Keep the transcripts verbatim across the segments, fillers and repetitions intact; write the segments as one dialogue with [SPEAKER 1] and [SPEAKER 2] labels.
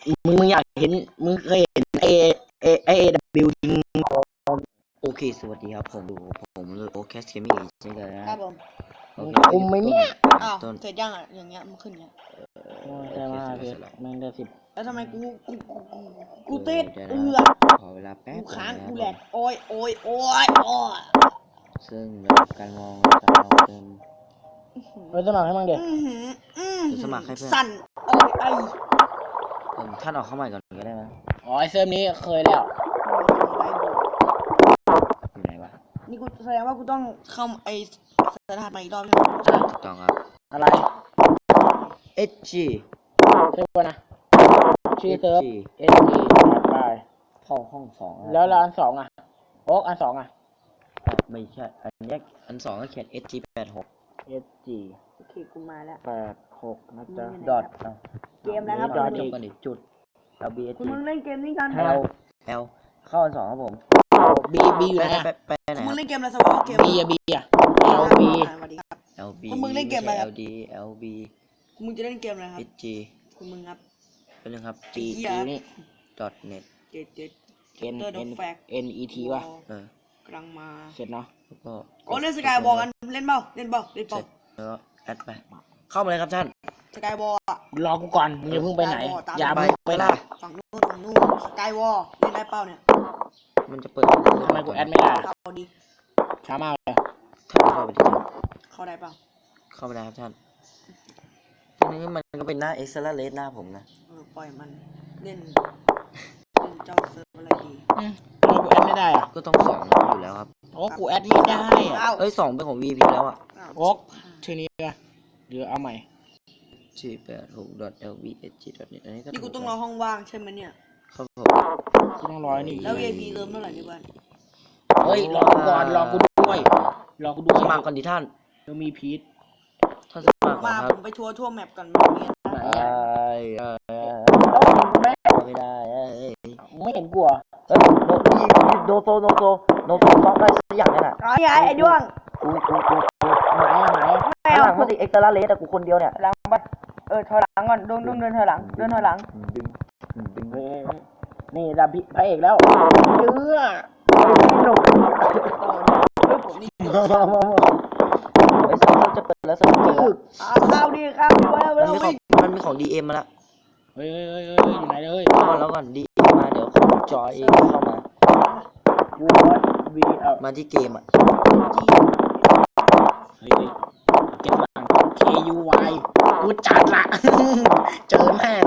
[SPEAKER 1] มึงมึงอยากเห็นมึงเคยเห็นเอเอเอเดบิวยิงโอเคสวัสดีครับผมดูผมเลยโอเคสเกมมิ่งใช่ไหมครับผมคุมไหมเนี่ย
[SPEAKER 2] อ้าวเสร็จยังอ่ะอย่างเงี้ยมันขึ้นเงี้ย
[SPEAKER 1] ใช่ไหมเพชรแม่งได้สิบ
[SPEAKER 2] แล้วทำไมกูกูกูกูติดเอือ
[SPEAKER 1] ขอเวลาแป๊บ
[SPEAKER 2] กูค้างกูแหลกโอ้ยโอ้ยโอ้ยโอ้ย
[SPEAKER 1] ซึ่งระดับการมองจะเอาเป็นเฮ้ยสมัครให้มั่งเด็กสมัครให้เพื่อน
[SPEAKER 2] สั่นโอ้ยไอ
[SPEAKER 1] ผมท่านออกเข้าใหม่ก่อนก็ได้ไหมอ๋อไอเซิร์ฟนี้เคยแล้วอยู่ไหนวะ
[SPEAKER 2] นี่กูแสดงว่ากูต้องเข้าไอสถานใหม่อีกรอบใช่ไหม
[SPEAKER 1] ใช่ถูกต้องครับอะไร เอช จี เซิร์ฟนะชื่อเซิร์ฟ เอช จี ไปเข้าห้องสองแล้วอันสองอ่ะโอ๊กอันสองอ่ะไม่ใช่อันแยกอันสองก็เขียน เอช จี แปดหก เอช จี
[SPEAKER 2] โอเคกูมาแล้ว
[SPEAKER 1] แปดหกนะจ๊ะดอท
[SPEAKER 2] เกมแล้วครับ
[SPEAKER 1] ดอทอีกจุด L B S
[SPEAKER 2] คุณมึงเล่นเกมนี้กัน
[SPEAKER 1] L L เข้าอันสองครับผม B B อยู่ไหนไปไปไหน
[SPEAKER 2] มึงเล่นเกมอะไรสวอเกม
[SPEAKER 1] B อ่ะ B อ่ะ L B L B
[SPEAKER 2] คุณมึงเล่นเกมอะไรครับ
[SPEAKER 1] L D L B
[SPEAKER 2] มึงจะเล่นเกมอะไรครับ
[SPEAKER 1] H G
[SPEAKER 2] คุณมึงครับ
[SPEAKER 1] เป็นหนึ่งครับ G G นี่ dot net
[SPEAKER 2] เจ็ดเจ็ด
[SPEAKER 1] N N N E T ว่ะเออก
[SPEAKER 2] ำลังมา
[SPEAKER 1] เสร็จเนาะแล้วก็
[SPEAKER 2] โอ้เล่นสกายบอลกันเล่นเปล่าเล่นเปล่าเล่นเปล่า
[SPEAKER 1] แล้วก็แอดไปเข้ามาเลยครับท่าน
[SPEAKER 2] สกายบอล
[SPEAKER 1] รอกูก่อนมึงอย่าเพิ่งไปไหนอย่าเพิ่งไปไหน
[SPEAKER 2] ฝั่งนู้นฝั่งนู้นสกายวอลเล่นได้เปล่าเนี่ย
[SPEAKER 1] มันจะเปิดทำไมกูแอดไม่ได้
[SPEAKER 2] เข้าดิ
[SPEAKER 1] ช้ามากเลยท่านเข้าไปดิ
[SPEAKER 2] เข้าได้เปล่า
[SPEAKER 1] เข้าไปได้ครับท่านทีนี้มันก็เป็นหน้าเอ็กซ์แลเลสหน้าผมนะ
[SPEAKER 2] เออปล่อยมันเล่นเล่นเจ้าเซิร์ฟอะไรดี
[SPEAKER 1] อืมทำไมกูแอดไม่ได้อ่ะก็ต้องสองอยู่แล้วครับโอ้กูแอดไม่ได้อ่ะเอ้ยสองเป็นของ วี พี แล้วอ่ะโอ๊กชื่อนี้อ่ะเดี๋ยวเอาใหม่จีแปดหก dot l v h g dot net อันนี้ก็
[SPEAKER 2] นี่กูต้องรอห้องว่างใช่ไหมเนี่ย
[SPEAKER 1] ครับผมกูต้องรอนี่
[SPEAKER 2] แล้ว วี ไอ พี เริ่มเมื่อไหร่ในบ้าน
[SPEAKER 1] เฮ้ยรอกูก่อนรอกูด้วยรอกูดูสมัครก่อนดิท่านเดี๋ยวมีพีทท่านสมัคร
[SPEAKER 2] มาผมไปทัวร์ทั่วแมปก่อนมันมีอะไรไม่ได้
[SPEAKER 1] ไม่เห็นกลัวเฮ้ยโนโซโนโซโนโซซ้อมได้สักอย่างนี่แหละ
[SPEAKER 2] ไอ้ไอ้ด้วง
[SPEAKER 1] กูกูกูไหนไหนหลังมาสิเอ็กซ์ตร้าเลสแต่กูคนเดียวเนี่ย
[SPEAKER 2] หลังไปเออถอยหลังก่อนดุ้งดุ้งเดินถอยหลังเดินถอยหลัง
[SPEAKER 1] ดึงดึงนี่ดับพระเอกแล้วเจื้อหนุก
[SPEAKER 2] เฮ้ยผมนี่
[SPEAKER 1] ไอ้สาวจะเปิดแล้วสนุกจริง
[SPEAKER 2] ข้าวดีครับ
[SPEAKER 1] มันมีของมันมีของดีเอ็มมาละเฮ้ยเฮ้ยเฮ้ยอยู่ไหนเลยก่อนแล้วก่อนดีเอ็มมาเดี๋ยวจอยเองเข้ามามาที่เกมอ่ะเฮ้ยเก็บหลัง K U Y กูจัดละเจอแม่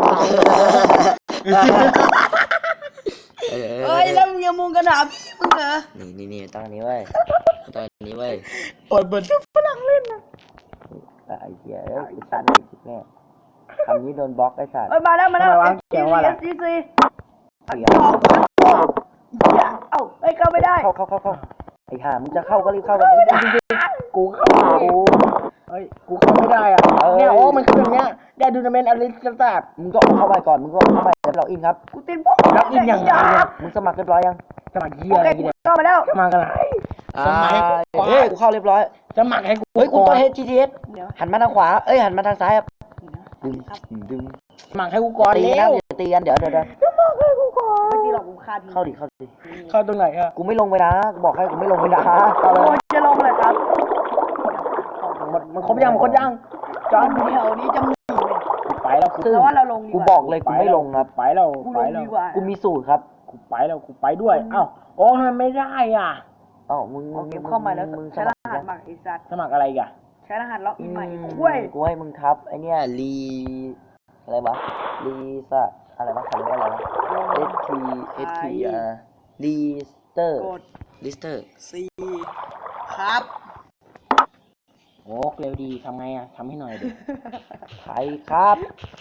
[SPEAKER 2] เฮ้ยแล้วมึงยังมุงกระดาษมึงเหรอ
[SPEAKER 1] นี่นี่นี่ตั้งนี้ไว้ตั้งนี้ไว้เปิดเปิดฝรั่งเล่นนะไอ้เหี้ยเอ้ยตันอีกแน่คำนี้โดนบล็อกไอ้สัตว์
[SPEAKER 2] เอ้ยมาแล้วมาแล้ว
[SPEAKER 1] เสียงว่าอะไร
[SPEAKER 2] ซีซีเสียงเอ้าเอ้ยเข้าไม่ได้
[SPEAKER 1] เข้าเข้าเข้าเข้าไอ้ห่ามึงจะเข้าก็รีบเข้ากันจริงจริงกูเข้ากูเฮ้ยกูเข้าไม่ได้อ่ะเนี่ยโอ้มันคืออย่างเงี้ยได้ดูนาเมนอะไรต่างๆมึงก็เข้าไปก่อนมึงก็เข้าไปแล้วล็อกอินครับ
[SPEAKER 2] กูติดปุ๊บ
[SPEAKER 1] ล็อกอินยังไงมึงสมัครเรียบร้อยยังสมัครเหี้ยอะไรเนี่ย
[SPEAKER 2] เข้ามาแล้ว
[SPEAKER 1] สมัครอะไรสมัครเฮ้ยกูเข้าเรียบร้อยสมัครให้กูเฮ้ยกูตัว H T T S หันมาทางขวาเอ้ยหันมาทางซ้ายครับดึงดึงสมัครให้กูก่อนตีนะอย่าตีกันเดี๋ยวเดี๋ยวเดี๋ยว
[SPEAKER 2] สมัครให้กูก่อนไม่ตีหรอกกูคาด
[SPEAKER 1] เข้าดิเข้าดิเข้าตรงไหนอะกูไม่ลงไปนะกูบอกให้กูไม่ลงไปนะ
[SPEAKER 2] เข้าเลยจะลงเลยครับ
[SPEAKER 1] มันมันครบยังมันครบยัง
[SPEAKER 2] จอนเดี๋ยวนี้จะมี
[SPEAKER 1] ไปแล้ว
[SPEAKER 2] กูแต่ว่าเราลง
[SPEAKER 1] กูบอกเลยกูไม่ลงครับไปแล้ว
[SPEAKER 2] ไปแล้ว
[SPEAKER 1] กูมีสูตรครับกูไปแล้วกูไปด้วยเอ้าโอ้ทำไมไม่ได้อ่ะเอ้ามึงมึง
[SPEAKER 2] เข้ามาแล้วใช้รหัสบักไอ้สัตว์
[SPEAKER 1] สมัครอะไรกัน
[SPEAKER 2] ใช้รหัสล็อกอินใหม่คุ้ย
[SPEAKER 1] กูให้มึงทับไอเนี้ยรีอะไรวะรีสะอะไรวะเขาเรียกว่าอะไรวะ S T S T อ่ะรีสเตอร์รีสเตอร์
[SPEAKER 2] C ครับ
[SPEAKER 1] โอ้เร็วดีทำไงอ่ะทำให้หน่อยดิใครครับ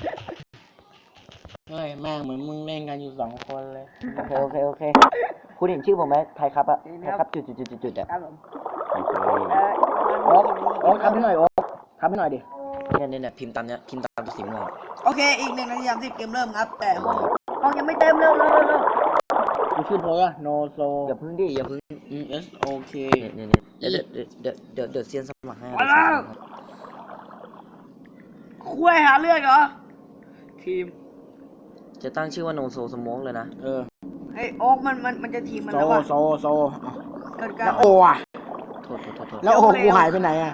[SPEAKER 1] เฮ้ยแม่งเหมือนมึงเล่นกันอยู่สองคนเลยโอเคโอเคโอเคคุณเห็นชื่อผมไหมไทยครับอะไทยครับจุดจุดจุดจุดจุดอะ
[SPEAKER 2] ครับผม
[SPEAKER 1] โอ๊กโอ๊กทำให้หน่อยโอ๊กทำให้หน่อยดิเนี่ยเนี่ยพิมพ์ตามเนี้ยพิมพ์ตามตัวสีม่วง
[SPEAKER 2] โอเคอีกหนึ่งนาทีสามสิบเกมเริ่มครับแต่ห้องยังไม่เต็มเร็วเร็วเร็ว
[SPEAKER 1] กูชื่อโพสอะโนโซอย่าพึ่งดิอย่าพึ่งอืมเอสโอเคเนี่ยเนี่ยเดี๋ยวเดี๋ยวเดี๋ยวเดี๋ยวเซียนสมัครให้
[SPEAKER 2] คุยหาเรื่องเหรอทีม
[SPEAKER 3] จะตั้งชื่อว่าโนโซสโมกเลยนะ
[SPEAKER 1] เออ
[SPEAKER 2] ไอ้โอ๊กมันมันมันจะทีมมัน
[SPEAKER 1] โซ
[SPEAKER 2] แล้วว่ะ
[SPEAKER 1] โซโซเอา
[SPEAKER 2] เกิดการ
[SPEAKER 1] แล้วโออ่ะ
[SPEAKER 3] โทษโทษโทษโทษ
[SPEAKER 1] แล้วโอกูหายไปไหนอ่ะ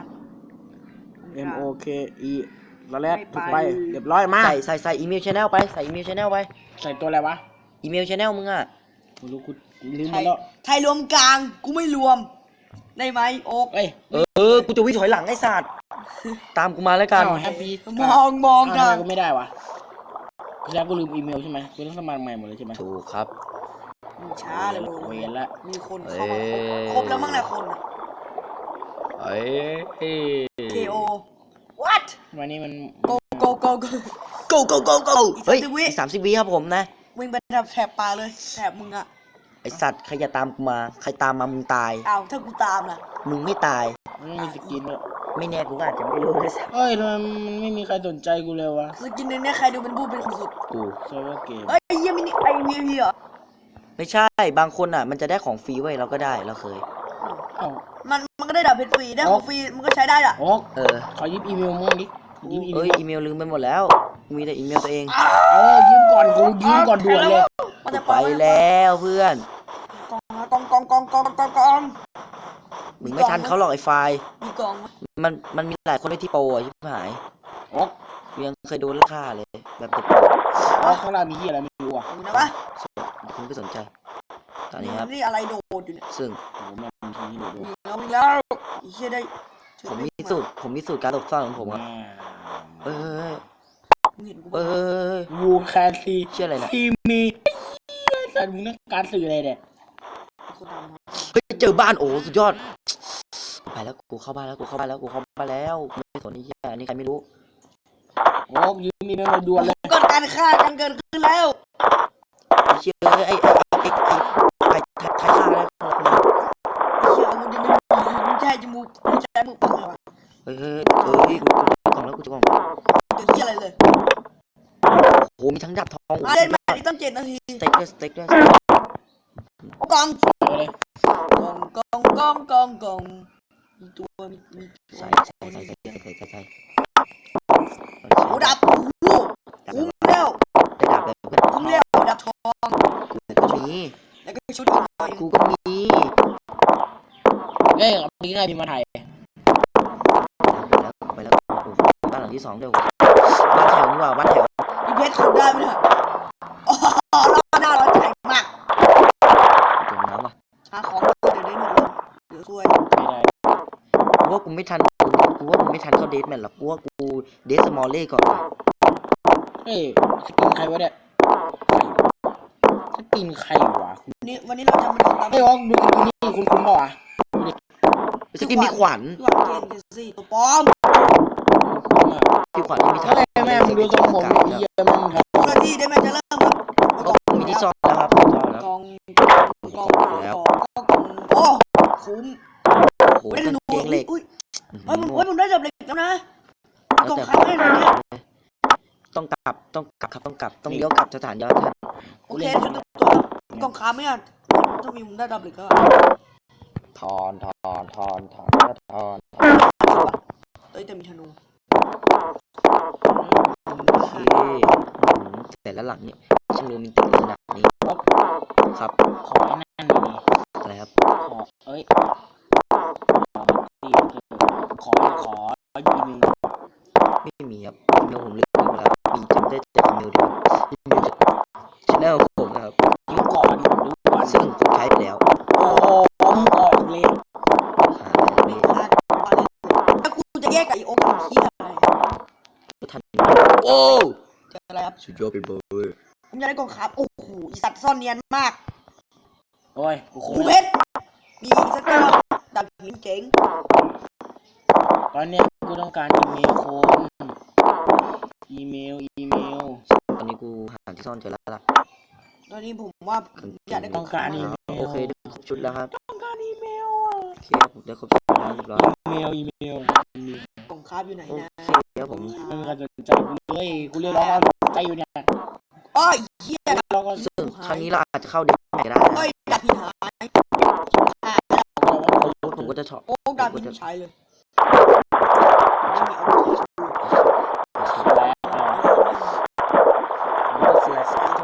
[SPEAKER 1] M O K E แล้วแรกถูกไปเรียบร้อยมา
[SPEAKER 3] ใส่ใส่ใส่อีเมลชแนลไปใส่อีเมลชแนลไป
[SPEAKER 1] ใส่ตัวอะไรวะ
[SPEAKER 3] อีเมลชแนลมึงอ่ะ
[SPEAKER 1] ไม่รู้กูลืม
[SPEAKER 2] ไท
[SPEAKER 1] ไป
[SPEAKER 2] ย
[SPEAKER 1] แล้ว
[SPEAKER 2] ไทยรวมกลางกูไม่รวม ได้ไหมโอ๊ก
[SPEAKER 1] เอ้ย
[SPEAKER 3] เออเออกูจะวิ่งถอยหลังไอ้สัตว์ตามกูมาแล้วกัน
[SPEAKER 1] แฮปปี้
[SPEAKER 2] มองมอง
[SPEAKER 1] ทำ
[SPEAKER 2] กั
[SPEAKER 1] ไม
[SPEAKER 2] น
[SPEAKER 1] กูไม่ได้วะแล้วกูลืมอีเมลใช่ไหมกูต้องสมัครใหม่หมดเลยใช่ไหม
[SPEAKER 3] ถูกครับ
[SPEAKER 2] ช้าเลยโว้
[SPEAKER 1] เวย รละ
[SPEAKER 2] มีคนเข้ามาครบ
[SPEAKER 3] เอ้ย
[SPEAKER 2] ครบแล้วมั้งเนี่ยคนอะ
[SPEAKER 3] เอ้ย
[SPEAKER 2] K O what
[SPEAKER 1] วันนี้มัน
[SPEAKER 2] go go go go
[SPEAKER 3] go go go go เฮ้ย
[SPEAKER 2] อีกสามสิบวิ
[SPEAKER 3] อีกสามสิบวิครับผมนะ
[SPEAKER 2] วิ่งไปแถบแถบปลาเลยแถบมึงอะ
[SPEAKER 3] ไอสัตว์ใครจะตามกูมา ใครตามมามึงตาย
[SPEAKER 2] อ้าวถ้ากูตามล่ะ
[SPEAKER 3] มึงไม่ตาย
[SPEAKER 1] ไม่มีสกินด้วย
[SPEAKER 3] ไม่แน่กูก็อาจจะไม่รู้ด้วยซ้
[SPEAKER 1] เอ้ยทำไมมันไม่มีใครสนใจกูเลยวะ
[SPEAKER 2] สกินในเนี้ยใครดูเป็นผู้เป็นคนสุด
[SPEAKER 3] ำกู
[SPEAKER 1] เซิร์ฟเวอร์เกม
[SPEAKER 2] เอ้ยเยี่ยมินิไอวีพีเหรอ
[SPEAKER 3] ไม่ใช่ บางคนอ่ะ มันจะได้ของฟรีไว้ยเราก็ได้เราเคย
[SPEAKER 1] เอ้า
[SPEAKER 2] มันมันก็ได้ดับเพชรฟรีได้ของฟรีมันก็ใช้ได้ล่ะ
[SPEAKER 1] โอ๊ก
[SPEAKER 3] เออ
[SPEAKER 1] ขอยิบอีเมลมึงดิยิบอีเม
[SPEAKER 3] เอ้ย
[SPEAKER 1] ล
[SPEAKER 3] อีเมลลืมไปหมดแล้วมีแต่อีเมลตัวเอง
[SPEAKER 1] เออยืมก่อนกูยืมก่อนด่วนเลย
[SPEAKER 2] มันจะ
[SPEAKER 3] ไปแล้วเพื่อน
[SPEAKER 2] กองกองกองกองกองกอง
[SPEAKER 3] มึงไม่ทันเขาหรอกไอ้ไฟล์
[SPEAKER 2] มีกองไหม
[SPEAKER 3] มันมันมีหลายคนเลยที่โปรอ่ะชิบหาย
[SPEAKER 1] โอ๊ก
[SPEAKER 3] กูยังเคยโดนฆ่าเลยแบบเด็ก
[SPEAKER 1] โอ๊กข้างล่างมีที่อะไรไม่รู้อ่ะ
[SPEAKER 2] มีนะปะ
[SPEAKER 3] คุณไม่สนใจ ตอนนี้ครับ
[SPEAKER 2] นี่อะไรโดดอยู่เนี่ย
[SPEAKER 3] ซึ่ง
[SPEAKER 1] โอ้โหแม่งมีที่นี่ดู
[SPEAKER 2] มีแล้วมีแล้วไอ้เชี่ยได้
[SPEAKER 3] ผมมีสูตรผมมีสูตรการหลบซ่อนของผมครับเอ้ย
[SPEAKER 2] มึงเห็นกู
[SPEAKER 3] เอ้
[SPEAKER 2] ปะ
[SPEAKER 3] ย
[SPEAKER 1] วูแคนซี
[SPEAKER 3] เชื่ออะไรนะ
[SPEAKER 1] ทีมีแต่มึงต้องการสื่ออะไรเนี่ย
[SPEAKER 2] คนดำ
[SPEAKER 3] เฮ้ยเจอบ้านโอ้สุดยอดไปแล้วกูเข้าบ้านแล้วกูเข้าบ้านแล้วกูเข้าบ้านแล้วไม่สนไอ้เหี้ยอันนี้ใครไม่รู้
[SPEAKER 1] โอ๊กยืมอีเมลมาด่วนเลย
[SPEAKER 2] เกิดการฆ่ากันเกิดขึ้นแล้ว
[SPEAKER 3] ไอ้เชื่อไอ้ไอ้ไอ้ไอ้ไอ้ใครใครฆ่าแล้วคนนั้น
[SPEAKER 2] ไอ้เชี่ยอาวุธยังไม่มีมึงจะให้จมูกมึงจะให้มือปังเลยวะ
[SPEAKER 3] เฮ้ยเฮ้ยเฮ้ยกูกูกล่องแล้วกูจะกล่อง
[SPEAKER 2] เกิดที่อะไรเลย
[SPEAKER 3] โอ้โหมีทั้งดาบทอง
[SPEAKER 2] อ่ะเล่นมาอีกตั้งเจ็ดนาที
[SPEAKER 3] สเต็กด้วยสเต็กด้วย
[SPEAKER 2] โอ้กอง
[SPEAKER 1] เอาเลย
[SPEAKER 2] กองกองกองกองกองมีตัวมีมีตัว
[SPEAKER 3] ใส่ใส่ใส่ใส่ใส่ใส่ใส่ใส่
[SPEAKER 2] โอ้ดับโอ้โหคุ้มแล้ว
[SPEAKER 3] ได้ดาบเลยเพื่อน
[SPEAKER 2] คุ้มแล้วดับทอง
[SPEAKER 3] กูก็มี
[SPEAKER 2] แล้วก็ชุดอีกหน่อย
[SPEAKER 3] กูก็มี
[SPEAKER 1] เอ้ยเอาไปง่ายพี่มาถ่าย
[SPEAKER 3] ไปแล้วไปแล้วโอ้โหบ้านหลังที่สองเดี๋ยวบ้านแถวนี่ว่าบ้านแถว
[SPEAKER 2] พี่เพชรขุดได้ไหมเนี่ยอ๋อรอบหน้าเราใจมาก
[SPEAKER 3] จมน้ำว่ะ
[SPEAKER 2] หาของเดี๋ยวได้หนึ่งเลยเดี๋ยวช่วย
[SPEAKER 1] ไม่ได้
[SPEAKER 3] กูว่ากูไม่ทันกูว่ากูไม่ทันเข้าเดทแมนหรอกกูว่ากูเดทสมอลเล่ก่อน
[SPEAKER 1] เอ้ยสกินใครวะเนี่ยสกินใครวะ
[SPEAKER 2] วันนี้วันนี้เราจะมาทำตาม
[SPEAKER 1] เฮ้ยโอ๊กดูสกินนี่คุณคุณบอกอ่ะ
[SPEAKER 3] สกินมีขวัญ
[SPEAKER 2] พี่หวังเกณฑ์เกสี่ตัวปลอม
[SPEAKER 1] คุณอ่ะ
[SPEAKER 3] มีขวัญไม่มี
[SPEAKER 1] เฮ้ยแม่มึงดูทรงผมไอ้เหี้ยแม่งครับ
[SPEAKER 2] เจ้าหน้าที่ได้ไหมจะเริ่มครับ
[SPEAKER 3] ก็มีที่ซ่อนแล้วครับซ่อนแล้ว
[SPEAKER 2] กองกองกองกองกองโอ้คุ้ม
[SPEAKER 3] โอ้โห
[SPEAKER 2] ไม่ได้
[SPEAKER 3] กาง
[SPEAKER 2] หนู
[SPEAKER 3] เกงเหล็ก
[SPEAKER 2] อุ้ยเฮ้ยผมเฮ้ยผมได้จับเหล็กแล้วนะกอง
[SPEAKER 3] แต่
[SPEAKER 2] ค้างให้หน่อยเนี่ย
[SPEAKER 3] ต้องกลับต้องกลับครับต้องกลับต้องเลี้ยวกลับสถานยอดท่าน
[SPEAKER 2] โอเคชุดตัวกองค้างไม่อ่ะถ้ามีผมได้ดับเหล็กก็
[SPEAKER 3] ถอนถอนถอนถอนถอน
[SPEAKER 2] เอ้ยแต่มีธนู
[SPEAKER 3] โอเคแต่ละหลังเนี่ยช่างโรแมนติกขนาดนี้ครับ
[SPEAKER 1] ขอไอ้นั่นหน่อยดิ
[SPEAKER 3] อะไรครับ
[SPEAKER 1] ขอเอ้ยขอนี่ขอขออีเมล
[SPEAKER 3] ไม่มีครับอีเมลผมลืมไปหมดแล้วมีจำได้แต่อีเมลเดียวอีเมลจากชแนลผมนะครับ
[SPEAKER 1] ยืมก่อนดูก่อน
[SPEAKER 3] ซึ่งผมใช้ไปแล้ว
[SPEAKER 1] โอ้โหมึงออกเลย
[SPEAKER 3] หาอะไร
[SPEAKER 2] ไม่
[SPEAKER 3] ไม่
[SPEAKER 2] คาดว่าเลยถ้ากูจะแยกกับอีโอ๊คกับขี้อะไร
[SPEAKER 3] ทันโอ้
[SPEAKER 2] เจออะไรครับ
[SPEAKER 3] สุดยอดไปเบอร์
[SPEAKER 2] ผมอยากได้กองค้างโอ้โหอีสัตว์ซ่อนเนียนมาก
[SPEAKER 1] โอ้ยกูโค
[SPEAKER 2] กู
[SPEAKER 1] ต
[SPEAKER 2] เพ
[SPEAKER 1] ร
[SPEAKER 2] ชรมีอีกสักตัวดับหินเจ๋ง
[SPEAKER 1] ตอนเนี้ยกูต้องการอีเมลคนอีเมลอีเมล
[SPEAKER 3] ตอนนี้กูหาที่ซ่อนเจอแล้วล่ะ
[SPEAKER 2] ตอนนี้ผมว่าอยากได้ก
[SPEAKER 1] ต้
[SPEAKER 2] อ
[SPEAKER 1] อง ง
[SPEAKER 2] ค้า
[SPEAKER 1] การ
[SPEAKER 2] ง
[SPEAKER 1] อีเมล
[SPEAKER 3] โอเคได้ครบชุดแล้วครับ
[SPEAKER 1] ต้องการอีเมลอ่ะ
[SPEAKER 3] โอเคครับผมได้ครบชุดแล้วเรียบร้อย
[SPEAKER 1] อีเมลอีเมล
[SPEAKER 2] กองค้างอยู่ไหน
[SPEAKER 3] โอ
[SPEAKER 2] นะ
[SPEAKER 3] เคเดี๋ยวผม
[SPEAKER 1] ไม่มีใครสนใจกูเลยกูเรียกร้องความสนใจอยู่เนี่ย
[SPEAKER 2] อ้อยเหี้ย
[SPEAKER 1] เราก็
[SPEAKER 3] ซึ่งครั้งนี้เราอาจจะเข้าเดทแมนก็ได้
[SPEAKER 2] อ้อยดับหินหายหาย
[SPEAKER 3] โอ้ผมก็จะชอบ
[SPEAKER 2] โอ้ดับหินใช้เลยไม่มีอาวุธที่
[SPEAKER 1] แล้ว
[SPEAKER 3] เสียส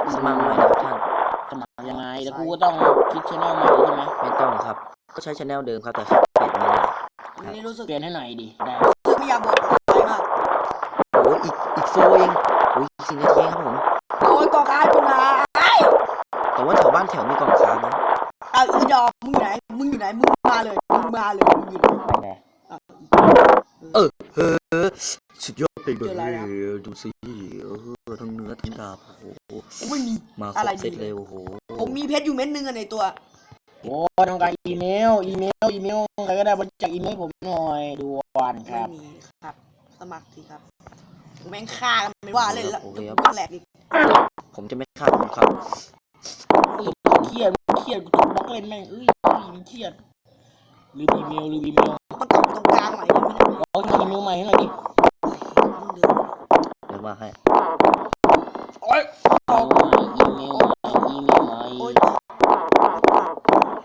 [SPEAKER 3] สมัครใหม่นะครับท่าน
[SPEAKER 1] สมัครยังไงแล้วกูก็ต้องคิดชแนลใหม่ใช่ไหม
[SPEAKER 3] ไม่ต้องครับก็ใช้ชแนลเดิมครับแต่แค่เปลี่ยนมา
[SPEAKER 2] วันนี้รู้สึก
[SPEAKER 1] เปลี่ยนให้หน่อยดิได้
[SPEAKER 2] รู้สึกไม่อยากบอกอะไรมาก
[SPEAKER 3] โอ้ยอีกอีกโฟเองโอ้ยอีกสี่นาทีครับผม
[SPEAKER 2] โอ้ยกองการกูนะไอ้
[SPEAKER 3] แต่ว่าแถวบ้านแถวมีกล่องค้างนะ
[SPEAKER 2] เอาอีดอกมึงอยู่ไหนมึงอยู่ไหนมึงมาเลยมึงมาเลยมึงอยู่ไหน
[SPEAKER 1] ไปไหน
[SPEAKER 2] อ่ะ
[SPEAKER 3] เออเฮ้อสุดยอดไปเล
[SPEAKER 2] เจออะไร
[SPEAKER 3] ย
[SPEAKER 2] อะ
[SPEAKER 3] ดูสิเออทั้งเนื้อทั้งดาบโอ้โห
[SPEAKER 2] กูไม่มี
[SPEAKER 3] มาคร
[SPEAKER 2] อะไร
[SPEAKER 3] บ
[SPEAKER 2] ดี
[SPEAKER 3] เซตเลยโอ้โห
[SPEAKER 2] ผมมีเพชรอยู่เม็ดนึงอะในตัว
[SPEAKER 1] โอ้ต้องการอีเมลอีเมลอีเมลใครก็ได้บริจาคอีเมลผมหน่อยด่วนค
[SPEAKER 2] ไม่
[SPEAKER 1] รับ
[SPEAKER 2] มีครับ สมัครทีครับแม่งฆ่ากันไม่ว่าเล่นละ
[SPEAKER 3] โอเคครับ
[SPEAKER 2] ก็แหลกดิ
[SPEAKER 3] ผมจะไม่ฆ่าคุณครับ
[SPEAKER 1] เครียดเครียดกูถูกบล็อกเล่นแม่งเอ้ยมันเครียดลืมอีเมลลืมอีเมล
[SPEAKER 2] มันกลับไปตรงกลางใหม่เลยไม่ได้
[SPEAKER 1] บล็อกอีเมลใหม่ให้หน่อยดิ
[SPEAKER 2] มึงเดิน
[SPEAKER 3] เดี๋ยวมาให้
[SPEAKER 2] โอ้ย
[SPEAKER 1] อีเมลใหม่อีเมลใหม่อี
[SPEAKER 2] โอ้ย
[SPEAKER 1] เมลใหม่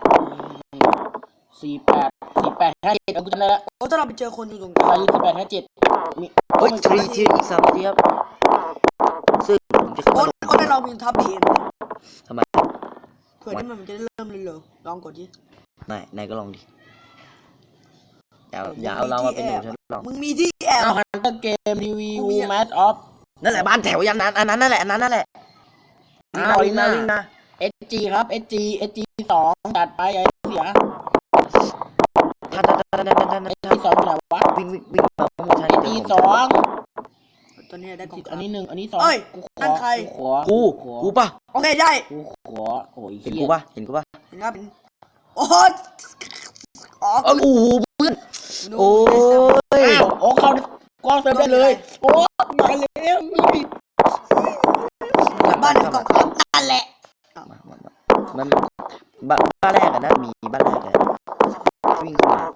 [SPEAKER 1] สี่แปดสี่แปดห้าเจ็ดเอากูจำได้แล้ว
[SPEAKER 2] โอ้ยถ้าเราไปเจอคนอยู่ตรงกลา
[SPEAKER 1] อาง ยุสี่แปดห้าเจ็ดมี
[SPEAKER 3] เฮ้ยทรีทีอีกสามนาทีครับซึ่งผมจะขึ้น
[SPEAKER 2] โอ้
[SPEAKER 3] มาย ลง
[SPEAKER 2] โอ้ยในเรามีทับบีเอ็ม
[SPEAKER 3] ทำไม
[SPEAKER 2] เผื่อที่มันจะได้เริ่มเร็วๆลองกดดิ
[SPEAKER 3] นายนายก็ลองดิอย่าอย่าเอาเรามาเป็นหนูฉันลอง
[SPEAKER 2] มึงมีที่แอบ
[SPEAKER 1] เอาฮันเตอร์เกมรีวิวแมทออฟ
[SPEAKER 3] นั่นแหละบ้านแถวยันนั้นอันนั้นนั่นแหละอันนั้นนั่นแหละ
[SPEAKER 1] อ้าว
[SPEAKER 3] วิ่งมา
[SPEAKER 1] วิ่
[SPEAKER 3] วิ่
[SPEAKER 1] ง
[SPEAKER 3] ง
[SPEAKER 1] มา
[SPEAKER 3] มา
[SPEAKER 1] เอสจีครับเอสจีเอสจีสองจัดไปไอ้เสีย
[SPEAKER 3] ท่านท่านท่านท่านท่านท่าน
[SPEAKER 1] เอส
[SPEAKER 3] ท่าน
[SPEAKER 1] จีสองไหนวะ
[SPEAKER 3] วิ่งวิ่งวิ่งมาข้างบนท่าน
[SPEAKER 1] เอส
[SPEAKER 3] เดี๋
[SPEAKER 1] จี
[SPEAKER 3] ยวผม
[SPEAKER 1] สอง
[SPEAKER 2] ตอนนี้ได้กล่อง
[SPEAKER 1] อันนี้หนึ่งอันนี้สอง
[SPEAKER 2] เอ้ย
[SPEAKER 1] กูข
[SPEAKER 2] นั่
[SPEAKER 1] อน
[SPEAKER 2] ใคร
[SPEAKER 1] กูขอ
[SPEAKER 3] กู
[SPEAKER 1] ขอ
[SPEAKER 3] กูป่ะ
[SPEAKER 2] โอเคได้
[SPEAKER 1] กูขอโอ้ย
[SPEAKER 3] เห็น
[SPEAKER 1] เหี้
[SPEAKER 3] กู
[SPEAKER 1] ย
[SPEAKER 3] ป่ะเห็นกูป่ะ
[SPEAKER 2] เห็นครับเป็นโอ้ยอ๋อ
[SPEAKER 3] เอ้ยโอ้โหเพื่อน
[SPEAKER 2] ดู
[SPEAKER 3] โอ้ย
[SPEAKER 1] อ้าวโอ้เขากล้องเติมได้เลยโอ้มาแล้วมี
[SPEAKER 2] บ้านในกล่องครับนั่นแหละ
[SPEAKER 3] มามามามันบ้านบ้านแรกอะนะมีบ้านแรกเลยวิ่งเข้ามา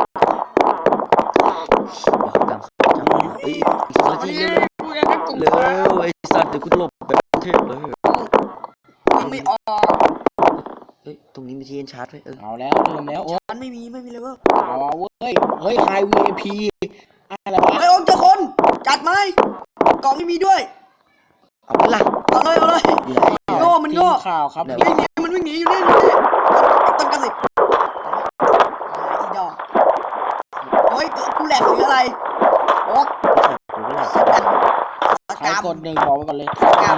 [SPEAKER 3] เดี๋ยวเขาตามเขาตามมาเอ้ยอีกสองนาทีเร็ว
[SPEAKER 2] ดูยังไงกล่อง
[SPEAKER 3] เร็วเร็วไอ้สัตว์เดี๋ยวกูหลบแบบเทพเลย
[SPEAKER 2] วิ่งไม่ออก
[SPEAKER 3] เฮ้ยตรงนี้มีที่เอ็นชาร์จไว้เออ
[SPEAKER 1] เอาแล้วเริ่มแล้วโอ้
[SPEAKER 2] มันไม่มีไม่มีเลยเว้ย
[SPEAKER 1] เอาเว้ยเฮ้ยไฮวีไอพีอะไรวะ
[SPEAKER 2] ไอ้โอ้ยเจอคนจัดไหมกล่องไม่มีด้วย
[SPEAKER 3] เอาไปละ
[SPEAKER 2] เอาเลยเอาเลย
[SPEAKER 3] อยู่ไหน
[SPEAKER 2] โง่มันโง่
[SPEAKER 1] ทีข่าวครับ
[SPEAKER 3] ไหน
[SPEAKER 2] วิ่งหนีมันวิ่งหนีอยู่นี่อยู่นี่ต้นกระสิบอีดอกโอ้ยกูแหลกหรืออะไรโอ๊ก
[SPEAKER 3] กูก็ละ
[SPEAKER 2] สักกันสัก
[SPEAKER 1] ใคร
[SPEAKER 2] กรรม
[SPEAKER 1] กดหนึ่งบอกไว้ก่อนเลย
[SPEAKER 2] สักกรรม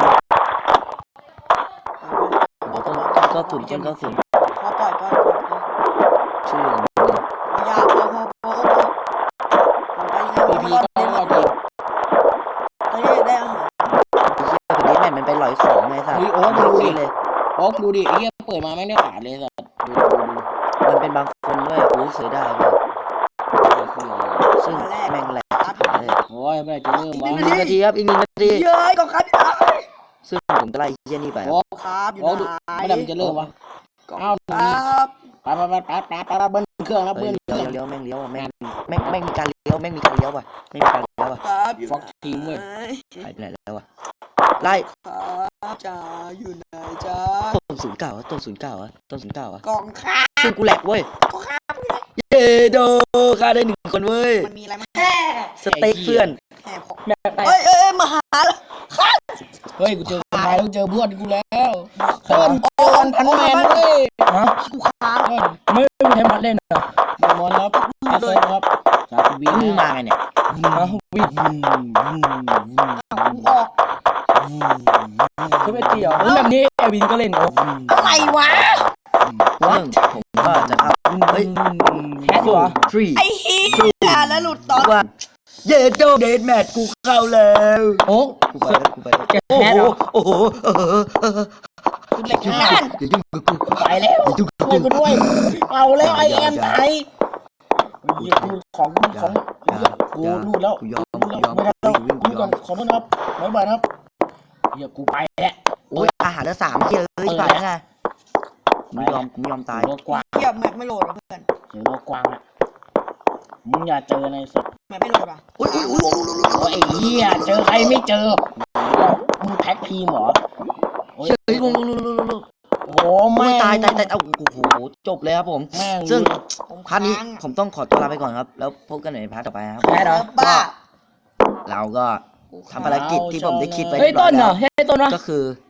[SPEAKER 3] ต้นก็ศูนย์ต้นก็ศูนย์
[SPEAKER 2] พอปล่อยปล่อยปล่อยปล่อย
[SPEAKER 3] ชื่อของมึง
[SPEAKER 2] อย่าพอพอพอพอไปยังไง
[SPEAKER 1] พี
[SPEAKER 2] มัน
[SPEAKER 1] พี
[SPEAKER 2] รอด
[SPEAKER 1] ก็
[SPEAKER 2] เล่น
[SPEAKER 1] รอ
[SPEAKER 2] มา
[SPEAKER 1] ดดี
[SPEAKER 2] ได้ได้อาหาร
[SPEAKER 3] ไอ้เหี้ยคนนี้แม่งมันไปหลอยของไงสัตว์
[SPEAKER 1] เฮ้ยโอ๊ค
[SPEAKER 3] มัน
[SPEAKER 1] ดูดิ
[SPEAKER 3] เลย
[SPEAKER 1] โอ๊กดูดิไอ้เหี้ยเปิดมาไม่ได้ขาดเลยสัตว์ดูดูดู
[SPEAKER 3] มันเป็นบางคนด้วยกูเสียดายเลย
[SPEAKER 1] ดู
[SPEAKER 3] ซึ่งแม่งแหลกชิบหายเลย
[SPEAKER 1] โอ้ยเมื่อไหร่จะเริ่มวะ
[SPEAKER 3] อีกหนึ่งนาทีครับอีกหนึ่งนาที
[SPEAKER 2] เย้ยกองครับ
[SPEAKER 3] ซึ่งผมจะไล่ไอ้เหี้ยนี่ไปครับ
[SPEAKER 1] โอ๊ก
[SPEAKER 2] ครับอยู่
[SPEAKER 1] โอ๊กดู
[SPEAKER 2] ไหน
[SPEAKER 1] เมื่อไหร่มันจะเริ่มวะ
[SPEAKER 2] กอง
[SPEAKER 1] อ้าว
[SPEAKER 2] ครับ
[SPEAKER 1] ไปไปไปไปไปไปไปเบิ้ลเครื่องแล้ว
[SPEAKER 3] เฮ้
[SPEAKER 1] เบิ้
[SPEAKER 3] ย
[SPEAKER 1] ลเค
[SPEAKER 3] เลี้
[SPEAKER 1] รื่
[SPEAKER 3] ย
[SPEAKER 1] อ
[SPEAKER 3] ว
[SPEAKER 1] ง
[SPEAKER 3] เลี้ยวแม่งเลี้ยวอ่ะแม่งแม่งแม่งมีการเลี้ยวแม่งมีการเลี้ยวว่ะไม่มีการเลี้ยวอ่ะ
[SPEAKER 2] ครับอยู่
[SPEAKER 1] ฟ็อกทีมเว้ย
[SPEAKER 3] หายไปไหนแล้วอ่ะไล่
[SPEAKER 2] ครับจ้าอยู่ไหนจ้า
[SPEAKER 3] ต้นศูนย์เก้าอ่ะต้นศูนย์เก้าอ่ะต้นศูนย์เก้าอ่ะ
[SPEAKER 2] กองครับ
[SPEAKER 3] ซึ่งกูแหลกเว้ย
[SPEAKER 2] กองครับ
[SPEAKER 3] เย้โดฆ่าได้หนึ่งคนเว้ย
[SPEAKER 2] มันมีอะไรมั้งแห่
[SPEAKER 3] สเต็กเพื่อน
[SPEAKER 2] แห่ของ
[SPEAKER 1] แม่ไป
[SPEAKER 2] เฮ้ยเอ้ยมาหาแล้ว
[SPEAKER 1] เฮ้ยกูเจอคนไทยต้องเจอเพื่อนกูแล้วเพื่
[SPEAKER 2] โอ
[SPEAKER 1] อน
[SPEAKER 2] นโอน
[SPEAKER 1] พันแมนเว้ยฮะ
[SPEAKER 2] กูค้าง
[SPEAKER 1] เพื่อนไม่ไม่ใช่พันเล่นเหรอมามอนครับอาเซนครับจากวี
[SPEAKER 3] มึงมาไงเนี่ย
[SPEAKER 1] ฮะวิ่งวิ่งวิ่งวิ่ง
[SPEAKER 2] กูออก
[SPEAKER 1] คือไม่เกี่ยวแบบนี้เอวินก็เล่นโอ้
[SPEAKER 2] อะไรวะ
[SPEAKER 3] ซึ่งผมก็จะเข้าเฮ้ย
[SPEAKER 1] แฮกเหรอ
[SPEAKER 3] ทรี
[SPEAKER 2] ไอ้เหี้ยแล้วหลุดตอน
[SPEAKER 3] ว่าเย้โดเดทแมทกูเข้าแล้ว
[SPEAKER 1] โอ้
[SPEAKER 3] กูไปแล้วกูไปแล้ว
[SPEAKER 1] แก
[SPEAKER 3] โอ้
[SPEAKER 1] แฮก
[SPEAKER 3] โห
[SPEAKER 1] เหรอ
[SPEAKER 3] โอ้โหเออเออเออ
[SPEAKER 2] กูเหล็กนั่น
[SPEAKER 3] อย่ายุ่งกับกู
[SPEAKER 1] ไปแล้ว
[SPEAKER 3] อย่ายุ่งกับ
[SPEAKER 1] ช่วย
[SPEAKER 3] กู
[SPEAKER 1] กูด้วยเอาแล้วไอแอมไทยของของกูรูดแล้ว
[SPEAKER 3] กูยอม
[SPEAKER 1] รูด
[SPEAKER 3] กู
[SPEAKER 1] แล้ว
[SPEAKER 3] ยอม
[SPEAKER 1] ไม่ได้แล้ว
[SPEAKER 3] กู
[SPEAKER 1] กู
[SPEAKER 3] ย
[SPEAKER 1] ก่
[SPEAKER 3] อ
[SPEAKER 1] อน
[SPEAKER 3] ม
[SPEAKER 1] ขอโทษนะครับบ๊ายบายครับเฮียกูไปแล้ว
[SPEAKER 3] โอ้ยอาหารละสามเยอะเลยไปแล้วไงกูไม่ยอมกูไม่ยอมตาย
[SPEAKER 1] โลกว้าง
[SPEAKER 2] เหี้ยแมปไม่โหลดอ่ะเพื่อน
[SPEAKER 1] เจอโลกกว้างอะมึงอย่าเจอในสุด
[SPEAKER 2] แมปไม่โหลดอ่ะ
[SPEAKER 3] อุ้ยอุ้ยอุ้ยอุ้ยอุ้ย
[SPEAKER 1] โอ้ยไอ้เหี้ยเจอใครไม่เจอมึงแท็กทีมเหรอโอ้ย
[SPEAKER 3] เฮ้ยลงลงลงลงลงลง
[SPEAKER 1] โอ้โห
[SPEAKER 3] โอ้
[SPEAKER 1] แม่
[SPEAKER 3] ย
[SPEAKER 1] ง
[SPEAKER 3] ตายตายตายเอ้าโอ้โหจบเลยครับผม
[SPEAKER 1] แม่ง
[SPEAKER 3] ซึ่ง
[SPEAKER 2] ผม
[SPEAKER 3] พาร์ทนี้
[SPEAKER 2] ค้าง
[SPEAKER 3] ผมต้องขอตัวลาไปก่อนครับ แล้วพบกันในพาร์ทต่อไปนะครับ
[SPEAKER 1] แพ้เหรอ
[SPEAKER 2] บ้า
[SPEAKER 3] เราก็ทำภารกิจที่ผมได้คิดไว้
[SPEAKER 1] เฮ้ย
[SPEAKER 3] เรียบร้
[SPEAKER 1] ต้
[SPEAKER 3] อย
[SPEAKER 1] นเหร
[SPEAKER 3] แล้
[SPEAKER 1] อ
[SPEAKER 3] ว
[SPEAKER 1] เฮ้ยต้นวะ
[SPEAKER 3] ก็คือ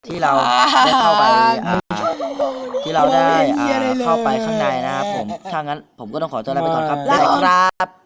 [SPEAKER 3] ที่เราได้เข้าไปอ่าที่เราได้อ่าเข้าไปข้างในนะครับผมถ้างั้นผมก็ต้องขอตัวลาไปก่อนครับบ๊ายบายครับ